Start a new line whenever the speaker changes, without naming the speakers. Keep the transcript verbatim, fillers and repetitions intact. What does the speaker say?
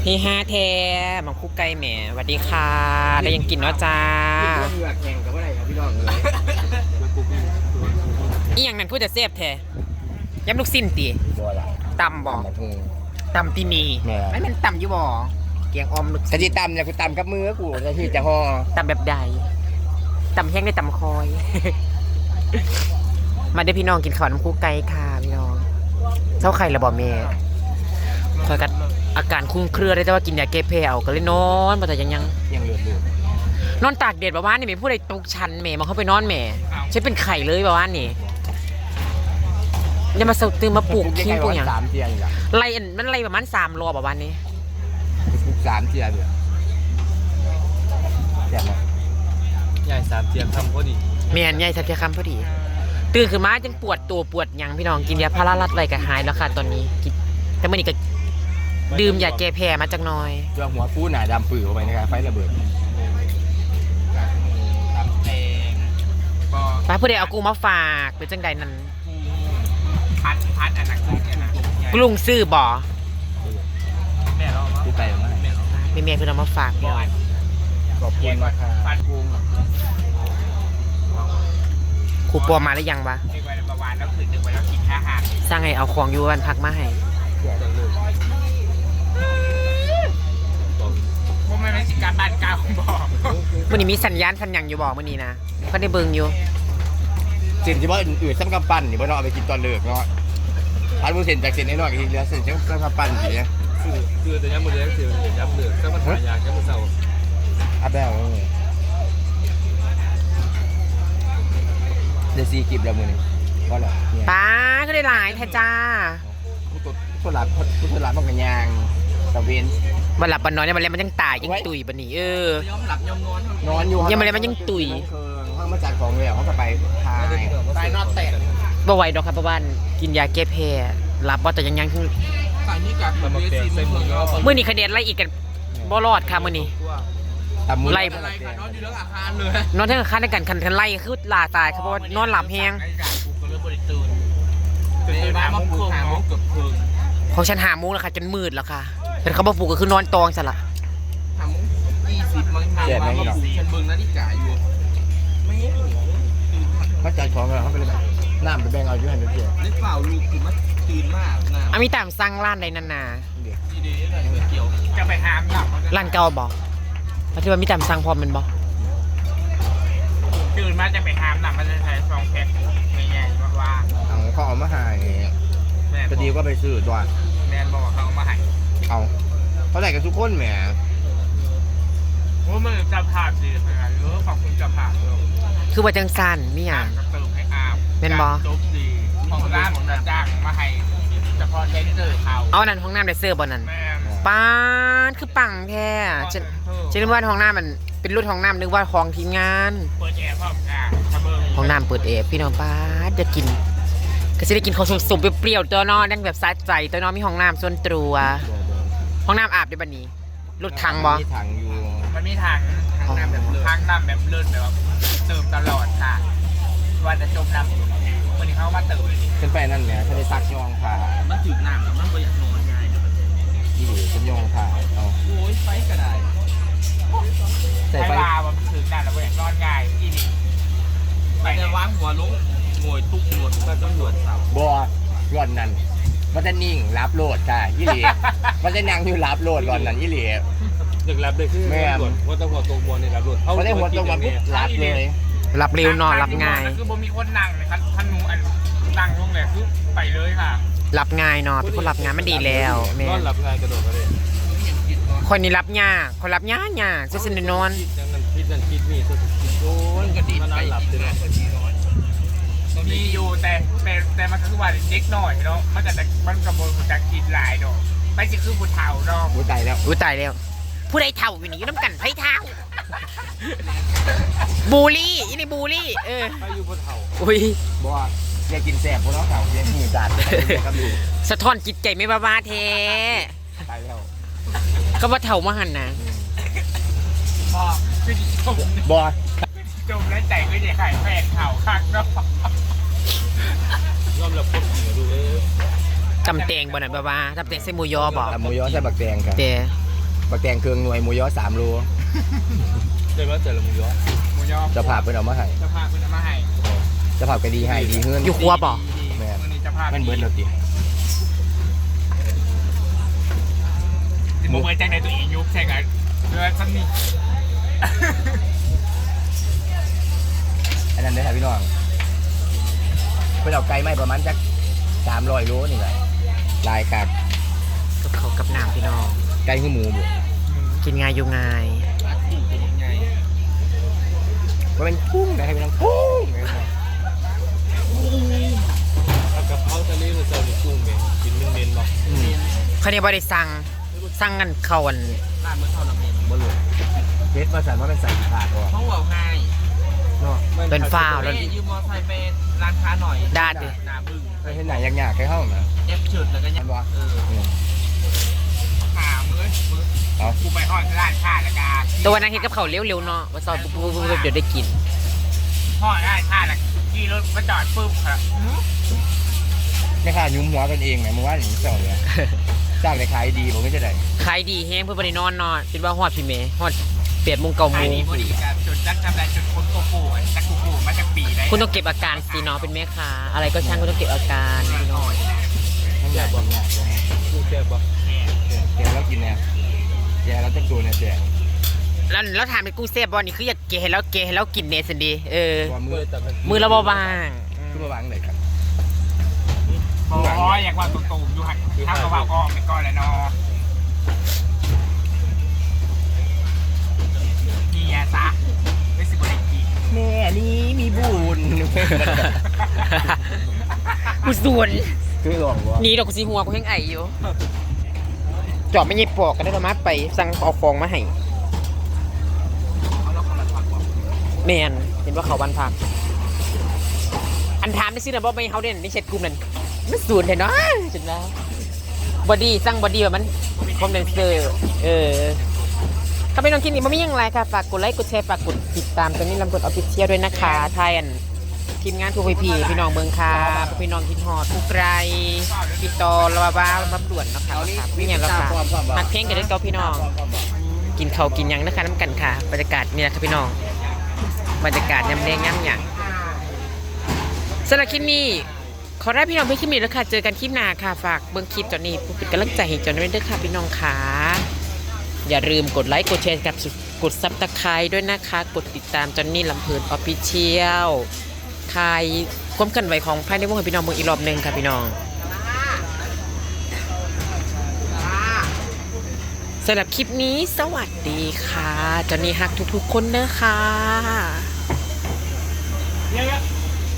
พี่ห้าแท้มังคุกไก่แหมสวัสดีค่ะได้ยังกินเนาะจ้า
เหงื่อแข่งกับอะไรครับพี่น้องเลย
อีอย่างนั้นพูดจะเสียบแท้ย้ำลูกสิ้นตี
บัวละ
ตำบ่ตำตีมี
แม่
ไม่เป็นตำอยู่บ่เกียงออมลูก
กะทิตำเนี่ยกูตำกับมือกูจะที่จะห่อ
ตำแบบใดตำแห้งได้ตำคอย มาได้พี่น้องกินข้าวน้ำคุกไก่ค่ะพี่น้องเจ้าไข่ระบอเมย์คอยกัดอาการคุ้มเครือได้แต่ว่ากินยาแก้แพ้เอาก็เลยนอนมาแต่ยังยัง
ยังเหลืออยู่
นอนตากแดดประมาณนี้ไม่พูดอะไรตุกชันแม่มาเข้าไปนอนแม่ใช้เป็นไข่เลยประมาณนี้ยังมาเสาตื่นมาปลูกทิ้งปลูกอย่าง
สามเทียนอยู่ละ
ไล่มันไล่ประมาณสามรอบประมาณนี้
ปลูกสามเทียนอยู่แจ่มไหม
ใหญ่สามเทียมทำก็ดี
เมียนใหญ่สักแค่คำพอดีตื่นขึ้นมาจังปวดตัวปวดยังพี่น้องกินยาพาราลัดไว้ก็หายแล้วค่ะตอนนี้แต่เมื่อนี้ก็ดื่มยาแก้แพ้มาจากน้อย
เรื่องหัวฟูหนาดำปื้อเข้าไปนะครับไฟระเบิดตำแตง
ป้าผู้ใดเอากูมาฝากเป็นจังใดนั้น
พัดพัดอันนั้นคือเนี่ยนะ
กรุงซื้อบ่
แม่เรา
กูไปมา
แม่เรา
มีเมียเพิ่นเอามาฝากพี่น้อง
ขอบคุณมากค่ะ
พัดกุ้ง
ครูปอมาหรือยังวะ
เด็กวัยประวานแล้วคือเด็กวัยแล้วกินอาหาร
สร้างไงเอาของอยู่วันพักมาให้
พวกมันเป็นสิการบ้านเก่าบอก
มื่อนี้มีสัญญาณสัญญาณอยู่บ่มื่อนี้นะก็ได้เบิ่งอยู่
เส้นที่ว่าอื่นๆซ้ำกำปั้นนี่บ่เนาะเอาไปกินตอนเลิกเนาะพันมือเส้นจากเส้นน้อยๆก็ทีเหลือเส้นซ้ำกำปั้นสิเนี่ย
คือคือแต่ย้ำมือเลี้ยงคือย้ำเหลือก็มาถ่ายยาแค่มือเสา
อัพแล้วเดี๋ยวซีกิบแล้วมือนี่ก็แล้วเนี่ย
ป้าก็ได้หลายแท้จ้า
ผู้ตรวจผู้หลับผู้ตรวจหลับมันกันยางตะเวน
วันหลับวันนอนเนี่ยมันเลยมันยังตายยังตุยบันนี้เออ
ย้อมหลับย้อมนอน
นอนอยู่
ยังไม่ได้มันยังตุย
ห้องมาจัดของเลยเขาก็ไปทาย
ตายนอนแตก
บ่ไหวดอกครับป้าบ้านกินยาแก้แพ้รับว่าแต่ยังยัง
ตายนี่กับมันเปลี่ยนใส่มือแล้ว
มื่อนี้คะแนนไล่อีกกันบ่รอดค่ะมื่อนี้
ตำมือ
อะไรค่ะนอนอยู่เรื่องอาคารเลย
นอนทั้งคันในกันคันคันไล่คือลาตายครับเพราะว่านอนหลับแห้ง
ก็เลยบริตื่นตื่นมาโมงครึ่งโมงเกือบครึ่ง
ของฉันหาโมุ้งแล้วค่ะจนมืดแล้วค่ะเป็นเขาบ่ปลูกก็คือนอนตองซะละ
ทำยี่สิบมั้งมามาปลูกฉันเบิ่งนาฬิกาอยู่ไม่เห็น
เขาจัดของเลยเขาไปเลยแบบน้ำไปแบ่งเอาอยู่ให้เพื่อน
นึกเปล่าลูกคือมันตื่นมากนะ
อามีตามสร้างร้านใดนานา
เดี๋ยว
ดีๆเลยเกี่ยวจะไปหามหลับ
ร้านเก่าบ่ปัจจุบันมีตามสร้างพร้อมแมันบ่
ตื่นมาจะไปหามหลับมันจะใช้ซองแพ็คง่ายๆว่า
เอาเขาเอามาให้
แม่
พอดีก็ไปซื้อตัว
แมนบอกเขามาให้
เอาเขาได้กันทุกคนแหม
โอ้มันจะผ่านดีขนาดนี้ขอบคุณจะผ่านเลย
คือว่าจังซั่นมีหยัง
เติมให้อาบ
แม่นบ่
จบดีของร้านของนาจ้างมาให้เฉพาะเทนเซอร์เขา
เอานั่นห้องน้ำได้เสื้อบ่นั่น
แม่
ป้าดคือปังแท้ฉันฉันนึกว่าห้องน้ำมันเป็นรุ่นห้องน้ำนึกว่าของทีมงาน
เปิดแอร์พร้อมกันทะเบิง
ห้องน้ำเปิดเอฟพี่น้องป้าดจะกินก็จะได้กินของสมๆเปรี้ยวๆตัวน้อนั่งแบบสะใจตัวน้อมีห้องน้ำส่วนตัวห้องน้ำอาบได้บัดนี้รถถังบ่
มีถังอยู่
มันมีทางทางน้ำแบบทางน้ำแบบเลื่อนแบบว่าเติมตลอดค่ะว่าจะจมน้ำวันนี้เขามาเติม
ขึ้นไปนั่นแหละถ้าได้ซักยองผ่า
มันจืดน้ำแล้วมันก็อยากนอนง่าย
ที่ฉันยองผ่าเอา
โอ้ยไฟก็ได้
ใส่
ไฟ
ไฟ
ลามันจืดน้ำแล้วก็อยากนอนง่ายอีนี่ไปจะวางหัวลงโงยตุกหนวดก็ต้องหนวดเสา
บัวร่อนนั่นมันจะนิ่งรับโหลดค่ะยี่หลีมันจะนั่งอยู่รับโหลดร่อนนั่นยี่หลี
เด็กรับเลยคือว่าต้องหัวตรงบอลในรับรถ
เขาได้หัวตรงมาปุ๊บรับเลย
รับเร็วนอนรับง่าย
คือบ่มีคนนั่งเลยครับท่านนูอันนั่งลงเลยคือไปเลยค่ะ
รับง่ายเนอนเป็นคนรับงานมันดีแล้วแม่
นอนหลับง่ายกระโดดไปเลย
คนนี้รับยากคนรับยากยากจะสนิทนอน
คิดนั่นคิดนั่นคิดนี่ตัวคิดโดนกระดิ่งไปหลับเลยมีอยู่แต่แต่แต่มันก็คือว่าเด็กหน่อยเนาะมันก็จะมันกระโดดจากกินลายเนาะไม่ใช่คือผู้เฒ่าเนาะ
อุ้ยตายแล้ว
อุ้ยตายแล้ว ผู้ใดเท่าอยู่นี่อยู่น้ำกันไพ่เท่าบูลลี่อีนี่บูลลี่เออ
ไปอยู่ผู้เฒ่า
อุ้ย
บัวอยากกินแสบพวกน้องเก่าอยากกินจัดครับดู
สะท้อนจิตใจไม่บ้าบ้าเท
ตายแล้ว
ก็ว่าเท่ามาหันนะ
พ่อคือจม
บัว
จมแล้วใจก็จะขายแฟนเฒ่าคักเนาะยอมรับคนเหนือดูเลย
จำแตงบ่นั่นบ้าบ้าจำแตงใส่หมูยอบ่
ตำหมูยอใส่บักแดงครับ
แต่
บักแตงเครื่องหน่วยหมูยอสามโล
ได้มาแต่ละมือยอ
หมูยอ
เจะผ่าเพิ่นเอามาให้
จะพาคุณมาให้
เจะผ่าก็ดีให้ดีเฮือน
อยู่ครัวบ่
แม่น
วันนี้จะพา
มันเบิดแล้วติ
สิบโมงเบิดจังในตัวเองยุบใช่กันเรือซ้ำนี่
อันนั้นเด้อครับพี่น้องเพิ่นเอาไก่ไม้ประมาณจักสามร้อยโลนี่แหละลายกัก
กับเขาวกับน้ำพี่น้อง
ไก่คือหมูบ่
กินง่ายอยู่ง่าย
ว่าเป็นกุ้งนะครับพี่น้องกุ้ง
เอากะเพราทะเลหรือเจ้าหรือกุ้งเมนกินเมนเมนบอก
อืม
เขาเนี่ยบริสั่งสั่งกันเขาอัน
ร้านเมื่อเท่านั้นเอง
บ่รู้เฟซว่าสันว่าเป็นใส่ขาดบ่
เขาบอกไง
เนาะ
เป็นฟ้าวแล้ว
ยืมมอไซค์ไปร้านค้าหน่อย
ดาดดิ
นาบึ้ง
ไปเห็นหนังยากๆแค่ห้องนะ
เอฟชุดแล้วก็ยั
มั
ง
นบ่
เออ
อืม
ข่าวมือมือ
เอา
กูไปห้องร้านค้าแล้วกัน
ตัววันนั้นเห็นกับเขาวเร็วๆเนาะว่าซอยปุ๊บปุ๊บปุ๊บปุ๊บเดี๋ยวได้กิน
ห้องร้านค้าแล้วขี่รถมาจอดปุ๊บครับ
ไม่ค่ายุ้มหัวกันเองแหมมึงว่าอย่างนี้เจ้าเนี่ยจ้างได้ขายดีผมก็จะได้
ขายดีแห้งเพื่อนบรินอนเนาะคิดว่าฮอดพี่เมย์ฮอดเปียดมุงเก่า
ขา
มู
ยดีพอดีกันจนจักทำอะไรจนคนโกโก้จักโกโก้มาจากปีได้
คุณต้องเก็บอาการสิเนาะเป็นแม่ค้าอะไรก็ช่างคุณต้องเก็บอาการพี่น้อง
ทั้งใหญ่บางอย่าง
กุ้งแซ่บบอก
แกแล้วกินเนี่ยแกแล้วจะตัวเนี่ยแจก
แล้วแล้วถามเป็นกุ้งเซฟบอลนี่คืออยากเกะให้แล้วเกะให้แล้วกินเนสันดีเออ
ตัวมื
เมื่
อ
อแต่มัน
มือเราเบาบาง
ขึ้นมาวางเลยครับ
อ๋ออยากว่าตรงๆอยู่หันถ้าเขาว่าก็ไม่ก่อนเลยเนาะนี่ไงซะไม่สิบริกี
แม่นี้มีบุญ
กูส่วน
คือหลอกวะ
หนี่ดอกกูสีหัวกูแห้งไออยู่จอบไม่ยิบปอกกันได้ประมาณไปสั่งเอาฟองมาให้แมนเห็นว่าเขาวันพักอันถามได้ซื้อนะบอไม่เขาเด่นในเช็ดกลุ่มนั่นมันสูนเห็นเนาะจุดแล้วบอดี้สั่งบอดี้แบบมันคอมเดนเซอร์เออถ้าเป็นน้องคิดนี่มันไม่ยังไรค่ะฝากกดไลค์กดแชร์ฝากกดติดตามตอนนี้ลำกดออฟฟิเชียลด้วยนะคะไทยอันทีมงานทูพีพีพี่น้องเมืองคาพี่น้องคิดฮอดทุกไรพี่ตอระบาบ้าบับด่วนเนาะคะไม่อย่างเราค่ะหักเพลงกันด้วยตัวพี่น้อง กินข้าวกินหยังนะคะน้ำกันค่ะบรรยากาศนี่แหละค่ะพี่น้องบรรยากาศยำแดงยำหยังสำหรับคลิปนี้ขอได้พี่น้องเพื่อนคลิปนี้แล้วค่ะเจอกันคลิปหน้าค่ะฝากเบิ้งคลิปจอนนี้เป็นกำลังใจให้จอนด้วยเด้อค่ะพี่น้องค่ะอย่าลืมกดไลค์กดแชร์กับกดซับตะไคร้ด้วยนะคะกดติดตามจอนนี่ลำเพลินออฟฟิเชียลทายความเคลื่อนไหวของภายในวงให้พี่น้องเมืองอีกรอบหนึ่งค่ะพี่น้องสำหรับคลิปนี้สวัสดีค่ะจอนนี่ฮักทุกๆคนนะคะ